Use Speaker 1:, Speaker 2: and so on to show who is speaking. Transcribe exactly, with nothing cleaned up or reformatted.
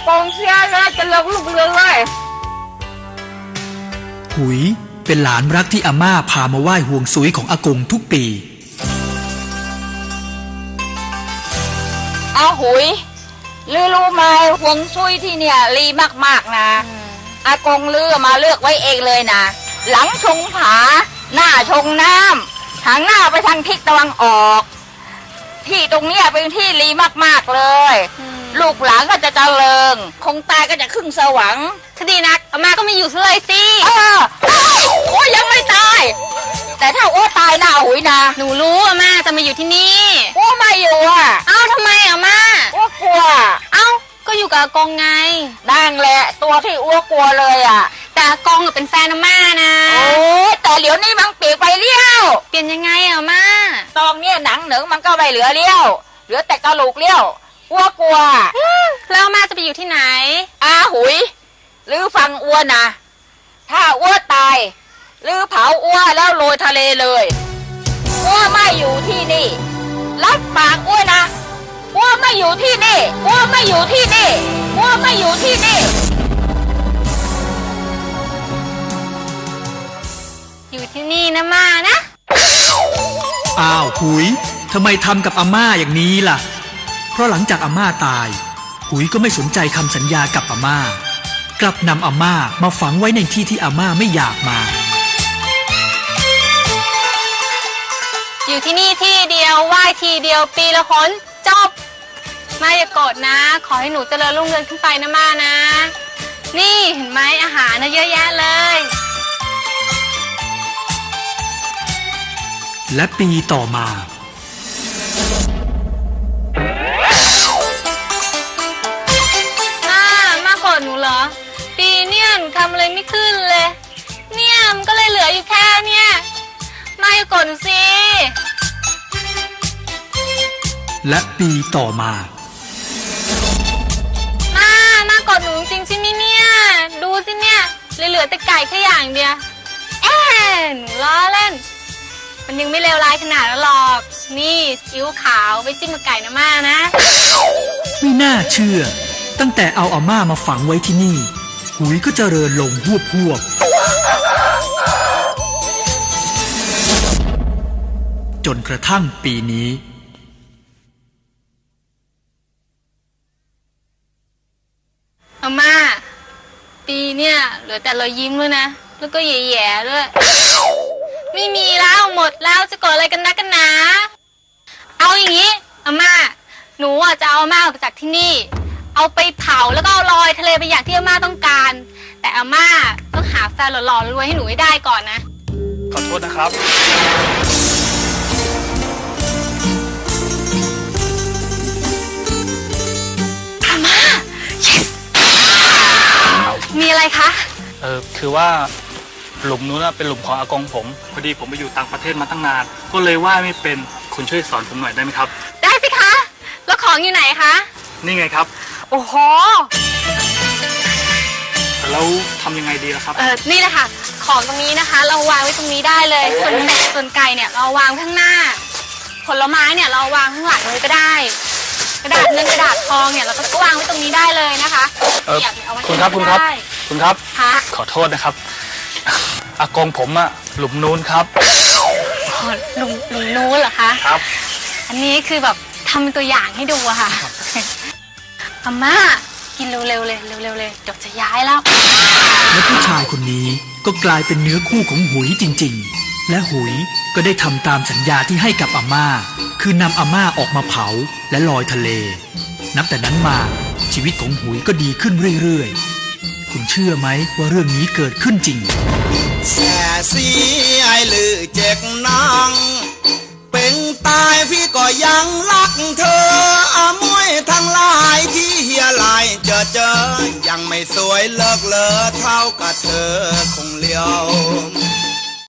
Speaker 1: ากงเสียเลยจะเลิกลูกเรือเลย
Speaker 2: หุยเป็นหลานรักที่อาม่าพามาไหว้ห่วงซุยของอากงทุกปี
Speaker 1: อาหุยลือรู้ไหมห่วงซุยที่เนี่ยรีมากๆนะอากงลือมาเลือกไว้เองเลยนะหลังชงผาหน้าชงน้ำทางหน้าไปทางทิศตะวันออกที่ตรงเนี้ยเป็นที่รีมากๆเลยลูกหลานก็จะเจริญคงตายก็จะขึ้นสวรรค์คดีนักอาม่าก็ไม่อยู่เลยสิเออโอ้ยังไม่ตายแต่ถ้าโอ้ตายนะหุยนะ
Speaker 3: หนูรู้อาม่าจะมาอยู่ที่นี่
Speaker 1: โอ้ไม่อยู่อ่ะ
Speaker 3: เอ้าทำไมอาม่า
Speaker 1: โอ้กลัว
Speaker 3: เอ้าก็อยู่กับอากงไง
Speaker 1: นั่งแหละตัวที่อ้วกลัวเลยอ่ะ
Speaker 3: แต่อากงเป็นแฟนอาม่านะ
Speaker 1: โอ้แต่เดี๋ยวนี้มันเปลี่ยนไปเลี้ยว
Speaker 3: เปลี่ยนยังไงอาม่า
Speaker 1: ตอนเนี้ยหนังหนึ่งมันก็ไม่เหลือเลี้ยวเหลือแต่กระโหลกเลี้ยวอ้วกลัว
Speaker 3: แล้วอาม่าจะไปอยู่ที่ไหน
Speaker 1: อาหุยหรือฟังอ้วนนะถ้าอ้วตายหรือเผาอ้วแล้วโรยทะเลเลยอ้วไม่อยู่ที่นี่รับปากอ้วนะอ้วไม่อยู่ที่นี่อ้วไม่อยู่ที่นี่อ้วไม่อยู่ที่นี่
Speaker 3: อยู่ที่นี่นะม่านะ
Speaker 2: อ้าวหุยทำไมทำกับอาม่าอย่างนี้ล่ะเพราะหลังจากอาม่าตายหุยก็ไม่สนใจคำสัญญากับอาม่ากลับนำอาม่ามาฝังไว้ในที่ที่อาม่าไม่อยากมา
Speaker 3: อยู่ที่นี่ที่เดียวไหว้ทีเดียวปีละคนจบม่าอย่าโกรธนะขอให้หนูเจริญรุ่งเรืองขึ้นไปนะม่านะนี่เห็นไหมอาหารนะเยอะแยะเลย
Speaker 2: และปีต่อมา
Speaker 3: ม่าม่าโกรธหนูเหรอปีเนี่ยหนูทำอะไรไม่ขึ้นเลยเนี่ยมันก็เลยเหลืออยู่แค่เนี่ยม่าอย่าโกรธหนูสิ
Speaker 2: และปีต่อมา
Speaker 3: ม่าม่าโกรธหนูจริงใช่ไหมเนี่ยดูสิเนี่ยเหลือแต่ไก่แค่อย่างเดียวเอ๊ะหนูล้อเล่นมันยังไม่เลวร้ายขนาดนั้นหรอกนี่ซีอิ๊วขาวไว้จิ้มกับไก่นะม่านะ
Speaker 2: ไม่น่าเชื่อตั้งแต่เอาอาม่ามาฝังไว้ที่นี่หุยก็เจริญลงหวบหวบจนกระทั่งปีนี้
Speaker 3: อาม่าปีเนี่ยเหลือแต่รอยยิ้มด้วยนะแล้วก็แย่ๆด้วยไม่มีแล้วหมดแล้วจะโกรธอะไรกันนักกันหนาเอาอย่างนี้อาม่าหนูอ่ะจะเอาอาม่าออกจากที่นี่เอาไปเผาแล้วก็เอาลอยทะเลไปอย่างที่อาม่าต้องการแต่อาม่าต้องหาแฟนหล่อๆรวยให้หนูให้ได้ก่อนนะ
Speaker 4: ขอโทษนะครับ
Speaker 3: อาม่า yes มีอะไรคะ
Speaker 4: เออคือว่าหลุมนู้นเป็นหลุมของอากงผมพอดีผมไปอยู่ต่างประเทศมาตั้งนานก็เลยว่ายไม่เป็นคุณช่วยสอนผมหน่อยได้ไหมครับ
Speaker 3: ได้สิคะแล้วของอยู่ไหนคะ
Speaker 4: นี่ไงครับ
Speaker 3: โอ้โห
Speaker 4: แล้วทำยังไงดีล่ะครับ
Speaker 3: เออนี่แหละค่ะของตรงนี้นะคะเราวางไว้ตรงนี้ได้เลยส่วนเป็ดส่วนไก่เนี่ยเราวางข้างหน้าผลไม้เนี่ยเราวางข้างหลังเลยก็ได้กระดาษเงินกระดาษทองเนี่ยเราก็วางไว้ตรงนี้ได้เลยนะคะ
Speaker 4: เออคุณครับคุณครับคุณครับขอโทษนะครับอากงผมอะหลุมนู้นครับ
Speaker 3: หลุมหลุมนู้นเหรอคะ
Speaker 4: ครับ
Speaker 3: อันนี้คือแบบทำเป็นตัวอย่างให้ดูอะค่ะอาม่ากินเร็วๆเลยเร็วๆเลยเดี๋ยวจะย้ายแล้ว
Speaker 2: และผู้ชายคนนี้ก็กลายเป็นเนื้อคู่ของหุยจริงๆและหุยก็ได้ทำตามสัญญาที่ให้กับอาม่าคือนำอาม่าออกมาเผาและลอยทะเลนับแต่นั้นมาชีวิตของหุยก็ดีขึ้นเรื่อยๆคุณเชื่อไหมว่าเรื่องนี้เกิดขึ้นจริง
Speaker 5: แส่สีไอลือเจ็กนางเป็นตายพี่ก็ยังรักเธออามวยทั้งหลายที่เฮียลายเจอเจอยังไม่สวยเลิกเลอเท่ากับเธอคงเลี้ยว